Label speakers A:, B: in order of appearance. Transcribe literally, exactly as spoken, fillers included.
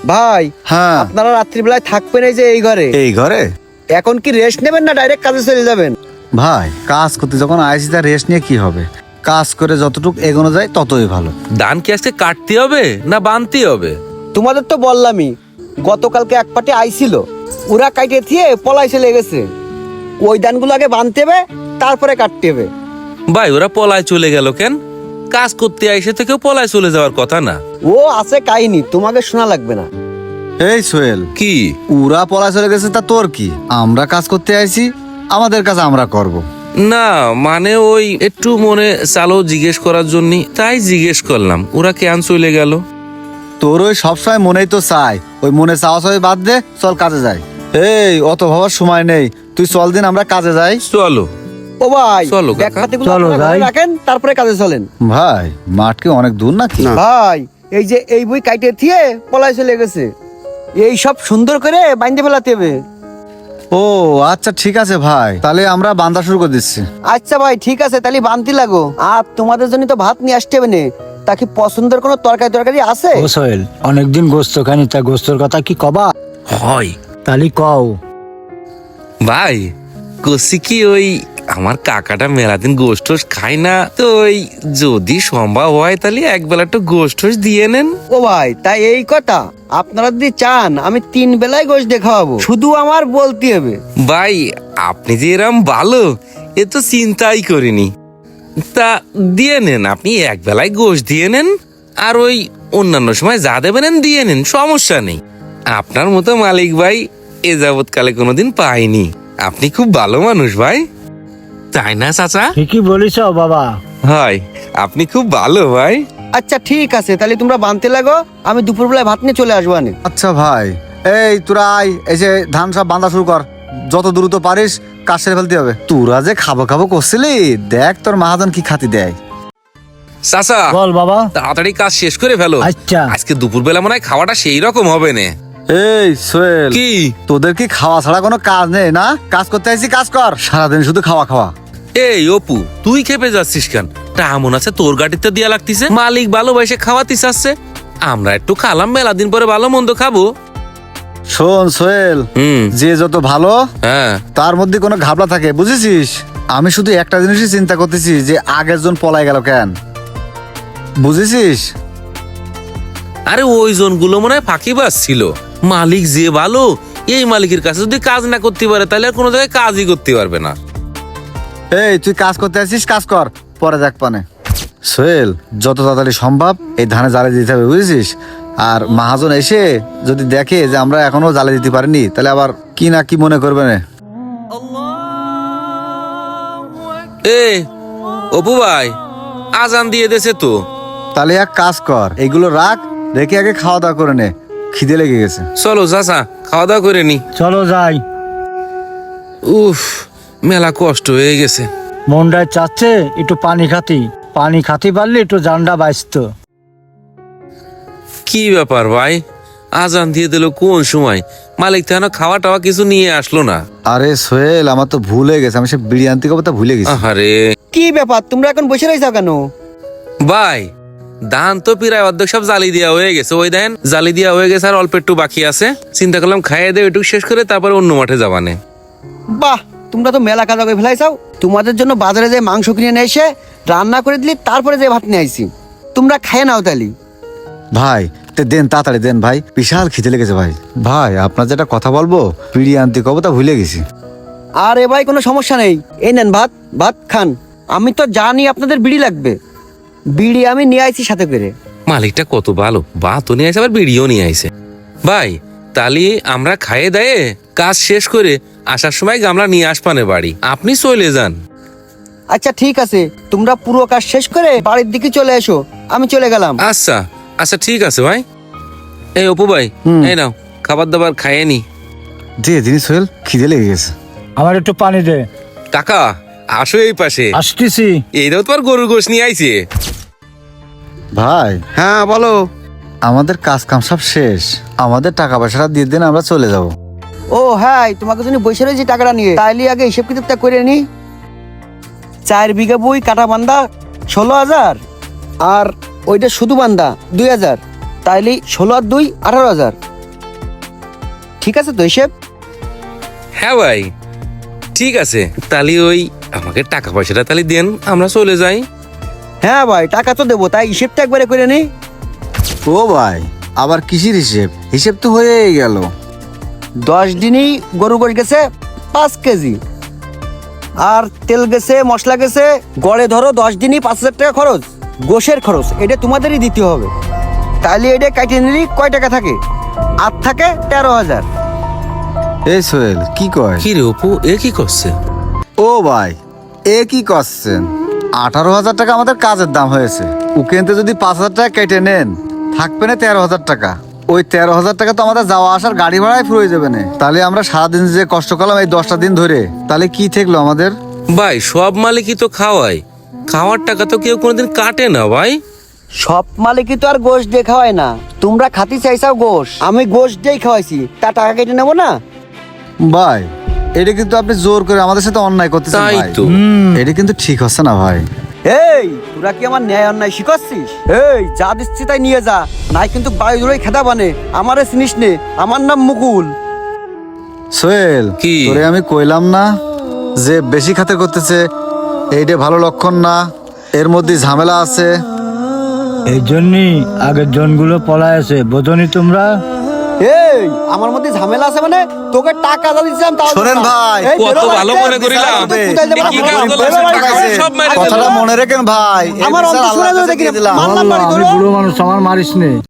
A: ভাই
B: হ্যাঁ
A: আপনারা রাত্রিবেলায় থাকবেন এই যে এই ঘরে,
B: এই ঘরে
A: এখন কি রেস্ট নেবেন না ডাইরেক্ট কাজে চলে যাবেন?
B: ভাই কাজ করতে যখন আইসি তার রেস্ট নিয়ে কি হবে, কাজ করে যতটুকু এগোনো যায় ততই ভালো।
C: ধান কি আজকে কাটতে হবে না বানতে হবে?
A: তোমাদের তো বললামই, গতকালকে এক পার্টি আইছিল, ওরা কাইটে দিয়ে পলাই চলে গেছে। ওই ধানগুলো আগে বানতে হবে, তারপরে কাটতে হবে।
C: ভাই ওরা পলায় চলে গেল কেন? কাজ করতে আইসে থেকেও পলায় চলে যাওয়ার কথা না।
A: ও আছে কাহিনী, তোমাকে শোনা লাগবে না।
B: এই সোহেল,
C: কি
B: উরা পলা চলে গেছে তা তোর কি? আমরা কাজ করতে আইছি, আমাদের কাজ আমরা করব।
C: না মানে ওই একটু মনে চালো জিজ্ঞেস করার জন্য, তাই জিজ্ঞেস করলাম ওরা কেন চলে গেল।
B: তোর ওই সবসময় মনেই তো চাই, ওই মনে চাওয়া চাই বাদ দে, চল কাজে যাই। এই অত ভাবার সময় নেই, তুই চল দিন আমরা কাজে যাই।
C: চলো
A: ও ভাই
C: চলো কাকা।
A: ব্যাগপাতিগুলো
B: চলো
A: আপনারা ঘরে
B: যাই।
A: রাখেন, তারপরে কাজে চলেন।
B: ভাই মাঠ কি অনেক দূর নাকি?
A: ভাই এই যে এই বই কাইটে দিয়ে পলাই চলে গেছে, এই সব সুন্দর করে বাইন্ধে ফেলাতে হবে।
B: ও আচ্ছা ঠিক আছে ভাই, তাহলে আমরা বান্দা শুরু করে দিচ্ছি।
A: আচ্ছা ভাই ঠিক আছে, তাহলে বানতে লাগো। আর তোমাদের জন্য তো ভাত নিয়ে আসতে হবে না, তা কি পছন্দের কোনো তরকারি তরকারি আছে?
D: ও সোহেল, অনেকদিন গোস্ত খানি, তা গোস্তর কথা কি কবা?
C: হয়
D: তালি কও।
C: ভাই কষি কি ওই আমার কাকাটা মেলাদিন গোষ্ঠ খায় না, তো ওই যদি সম্ভব হয় তাহলে এক বেলা একটু গোষ্ঠ দিয়ে নেন।
A: ও ভাই তাই এই কথা, আপনারা যদি চান আমি তিন বেলায় গোশ দেখাবো, শুধু আমার বলতে হবে।
C: ভাই আপনি যে এরম ভালো এ তো চিন্তাই করিনি। তা দিয়ে নেন, আপনি এক বেলায় গোশ দিয়ে নেন, আর ওই অন্যান্য সময় যা দেবেন দিয়ে নেন, সমস্যা নেই। আপনার মতো মালিক ভাই এ যাবৎকালে কোনোদিন পাইনি। আপনি খুব ভালো মানুষ ভাই, তাই না চাচা?
D: ঠিকই বলিস বাবা।
C: হয় আপনি খুব ভালো ভাই।
A: আচ্ছা ঠিক আছে, তাহলে তোমরা বানতে লাগো, আমি দুপুর বেলায় ভাত নিয়ে চলে আসবো। আনে
B: আচ্ছা ভাই, এই তোরা আয়, এই যে ধান সব বান্ধা শুরু কর, যত দ্রুত পারিস কাজ সেরে ফেলতে হবে। তোরা যে খাবো খাবো করছিলি, দেখ তোর মাহাজন কি খাতি দেয়।
C: চাচা
D: বল বাবা।
C: তাড়াতাড়ি কাজ শেষ করে ফেলো,
D: আচ্ছা।
C: আজকে দুপুর বেলা মনে হয় খাওয়াটা সেই রকম হবে না।
B: এই সোহেল,
C: কি
B: তোদের কি খাওয়া ছাড়া কোনো কাজ নেই না? কাজ করতে আইছি, কাজ কর, সারাদিন শুধু খাওয়া খাওয়া।
C: এই অপু তুই খেপে যাচ্ছিস কেন? তা মনে আছে তোর গাড়িতে দিয়া লাগতিছে, মালিক ভালোবাসে খাওয়াতে চাচ্ছে, আমরা একটু খালাম, মেলা দিন পরে ভালো মন্দ খাবো।
B: শোন সোহেল,
C: হুম
B: যে যত ভালো
C: হ্যাঁ
B: তার মধ্যে কোনো ঘাবলা থাকে, বুঝেছিস? আমি শুধু একটা জিনিসই চিন্তা করতেছি, যে আগের জন পলাই গেল কেন, বুঝেছিস?
C: আরে ওই জনগুলো মনে হয় ফাঁকিবাজ ছিল। মালিক যে ভালো, এই মালিকের কাছে যদি কাজ না করতে পারে তাহলে আর কোনো জায়গায় কাজই করতে পারবে না।
B: এই তুই কাজ করতে আসিস, কাজ কর, পরে দেখ পানে। সোহেল, যত তাড়াতাড়ি সম্ভব এই ধানে জ্বালে দিতে হবে, বুঝেছিস? আর মহাজন এসে যদি দেখে যে আমরা এখনো জ্বালে দিতে পারিনি, তাহলে আবার কি না কি মনে করবে না।
C: এ অপু ভাই আজান দিয়ে দেছে তো।
B: তাহলে এক কাজ কর, এগুলো রাখ, রেখে আগে খাওয়া দাওয়া করে নে, খিদে লেগে গেছে।
C: চলো চাচা খাওয়া দাওয়া করে নি।
D: চলো যাই।
C: উফ মেলা কষ্ট হয়ে গেছে।
D: মনটায় চাচ্ছে একটু পানি খাতি, পানি খাতি পারলে একটু জানডা বাঁচত।
C: কি ব্যাপার ভাই, আজান দিয়ে দিল কোন সময়? মালিক তো এখনো খাওয়া টাওয়া কিছু নিয়ে আসলো না।
B: আরে সোহেল, আমার তো ভুল হয়ে গেছে, আমি সে বিড়ি আনতে কথা ভুলে গেছি।
C: আরে
A: কি ব্যাপার, তোমরা এখন বসে রয়েছো কেন?
C: ভাই ধান তো প্রায় অর্ধেক সব জালি দেওয়া হয়ে গেছে, ওই দেন জালি দেওয়া হয়ে গেছে, আর অল্প একটু বাকি আছে। চিন্তা করলাম খাইয়ে দেবে একটু শেষ করে তারপরে অন্য মাঠে যাবানে।
A: বাহ, তোমরা তো মেলা কাজ করে ফেলাইছাও। তোমাদের জন্য বাজারে যে মাংস কিনে নিয়ে এসে রান্না করে দিলি, তারপরে যে ভাত নিয়ে আইছি, তোমরা খেয়ে নাও তালি।
B: ভাই তে দেন, তাড়াতাড়ি দেন ভাই, বিশাল খিদে লেগেছে ভাই। ভাই আপনার যেটা কথা বলবো, বিড়ি আনতে কবে তা ভুলে গেছি।
A: আর এ ভাই কোনো সমস্যা নেই, এই নেন ভাত, ভাত খান। আমি তো জানি আপনাদের বিড়ি লাগবে, বিড়ি আমি নিয়ে আইছি সাথে করে।
C: মালিকটা কত ভালো, ভাতও নিয়ে আসে আবার বিড়িও নিয়ে আইছে। ভাই তাহলে আমরা খাইয়ে দেয়ে কাজ শেষ করে আসার সময় গামলা নিয়ে আসবানে বাড়ি, আপনি চলে যান।
A: আচ্ছা ঠিক আছে, তোমরা পুরো কাজ শেষ করে বাড়ির দিকে চলে এসো, আমি চলে গেলাম।
C: আচ্ছা আচ্ছা ঠিক আছে ভাই। এই অপু ভাই এই নাও খাবার দাবার খাইয়ে নি।
B: যে জিনিস সোহেল, খিদে লেগে গেছে।
D: আমার একটু পানি দে।
C: কাকা আসো এই পাশে,
D: আসতেছি।
C: এইটাও তোমার গরুর গোশ নিয়ে আইছে।
B: ভাই
A: হ্যাঁ বলো।
B: আমাদের কাজ কাম সব শেষ, আমাদের টাকা পয়সাটা দিয়ে দিন, আমরা চলে যাব।
A: ও হ্যাঁ, তোমাকে জন্য বসে রয়েছি টাকাটা নিয়ে, তাইলে আগে হিসেব কিতাবটা করে নি। চার বিঘা বই কাটা বান্দা ষোলো হাজার, আর ওইটা শুধু বান্দা দুই হাজার, তাইলে ষোলো আর দুই আঠারো হাজার। ঠিক আছে তো হিসেব?
C: হ্যাঁ ভাই ঠিক আছে, তাহলে ওই আমাকে টাকা পয়সাটা তাহলে দেন, আমরা চলে যাই।
A: হ্যাঁ ভাই টাকা তো দেবো, তাই হিসেবটা একবারে করে নি।
B: ও ভাই আবার কিসের হিসেব? হিসেব তো হয়েই গেল।
A: দশ দিনই গরু গোশ গেছে পাঁচ কেজি, আর তেল গেছে, মশলা গেছে, গড়ে ধরো দশ দিনই পাঁচ হাজার টাকা খরচ। গোশের খরচ এটা তোমাদেরই দিতে হবে। তাহলে এটা কাটিয়ে নিলি কয় টাকা থাকে? আর থাকে তেরো হাজার।
B: এই সোহেল কি কয়?
C: কি রে অপু, এ কি করছে?
B: ও ভাই এ কি করছেন? আঠারো হাজার টাকা আমাদের কাজের দাম হয়েছে, উকেনতে যদি পাঁচ হাজার টাকা কেটে নেন থাকবে না তেরো হাজার টাকা। ওই তেরো হাজার টাকা তো আমাদের যাওয়া আসার গাড়ি ভাড়ায় ফুরিয়ে যাবে না। তাহলে আমরা সারাদিন যে কষ্ট করলাম এই দশটা দিন ধরে, তাহলে কি থাকলো আমাদের?
C: ভাই সব মালিকই তো খাওয়ায়, খাওয়ার টাকা তো কেউ কোনোদিন কাটে না ভাই।
A: সব মালিকই তো আর গোশ দিয়ে খাওয়ায় না। তোমরা খাতি চাইছাও গোশ, আমি গোশ দিয়েই খাওয়াইছি, তা টাকা কেটে নেবো না?
B: ভাই এটা কিন্তু আপনি জোর করে আমাদের সাথে অন্যায় করতেছেন
C: তাই
B: ভাই।
C: তো।
B: এটা কিন্তু ঠিক হচ্ছে না ভাই।
A: এই তোরা কি আমার ন্যায় অন্যায় শিখাচ্ছিস? এই যা দিচ্ছি তাই নিয়ে যা, নাই কিন্তু বাড়ি ধরেই খেদা বানে। আমারে চিনিস নে, আমার নাম মুকুল।
B: সোহেল
C: কি?
B: তোরে আমি কইলাম না যে বেশি খাতে করতেছে, এইটা ভালো লক্ষণ না, এর মধ্যে ঝামেলা আছে।
D: এই জন্যই আগের জনগুলো পলায় আছে, বোঝনি তোমরা?
A: এই আমার মধ্যে ঝামেলা আছে মানে? তোকে টাকা যা দিচ্ছিলাম তাও
B: শোনেন
A: দিস না।
B: ভাই,
A: এই
C: কত
A: বেরো
C: ভালো
A: বাড়িতে,
C: মনে করিলাম।
A: তুই কোথায় যাবি?
C: এ কি
A: আমার
C: কাজ
A: বাড়ি,
C: করলাম?
A: বেরো
C: টাকা
A: বাড়ি থেকে।
C: সব মেরে দিল।
B: কথাটা মনে রাখেন ভাই। এই
A: আমার
B: বিচার
A: অন্তঃসত্ত্বা
B: আল্লাহর কাছে
A: দেখি না।
B: দিয়ে দিলাম।
A: মারলাম
D: আল্লাহ,
A: বাড়ি
D: আমি
A: ধরো।
D: বুড়ো মানুষ, আমার মারিস নে।